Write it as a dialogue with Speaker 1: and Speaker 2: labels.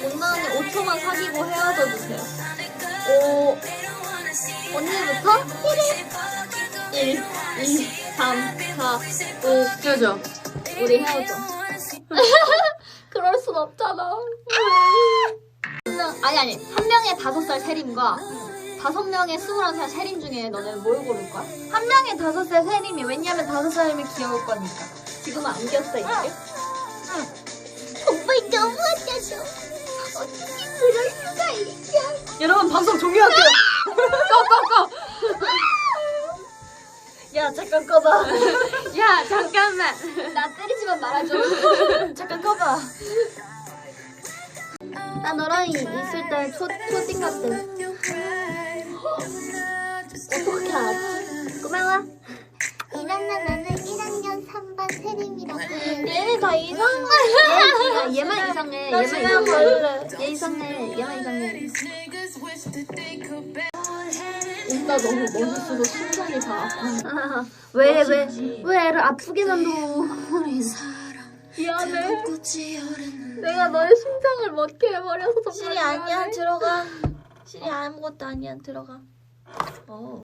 Speaker 1: 못나 언니 5초만 사귀고 헤어져 주세요. 오, 언니부터? 1, 2, 3, 4, 5.
Speaker 2: 헤어져.
Speaker 1: 우리 헤어져. 그럴 순 없잖아. 아니. 한 명의 5살 세림과 5명의 21살 세림 중에 너는 뭘 고를 거야? 한 명의 5살 세림이. 왜냐면 5살이면 귀여울 거니까. 지금은 안겼어, 이게? 정말 너무하잖아. 어떻게 그럴 수가 있냐.
Speaker 2: 여러분, 방송 종료할게요. 꺼.
Speaker 1: 야, 잠깐 꺼봐.
Speaker 2: 야, 잠깐만.
Speaker 1: 나 때리지만 말아줘. 잠깐 꺼봐. 나 너랑 있을 때 초딩 같아. 어떻게 알았지? 고마워.
Speaker 3: 나는 1학년 3반 세림이라고 해.
Speaker 1: 얘네 다 이상해. 얘만 이상해.
Speaker 3: 나
Speaker 1: 얘만
Speaker 3: 집에
Speaker 1: 이상해. 얘 이상해. 얘만 이상해. 오빠 너무 멋있어서 심장이 다 아파. 왜 애를 아프게 만들어. 미안해. 내가 너의 심장을 먹게 해버려서 정말
Speaker 3: 실이 아니야, 들어가. 실이 아무것도 아니야, 들어가.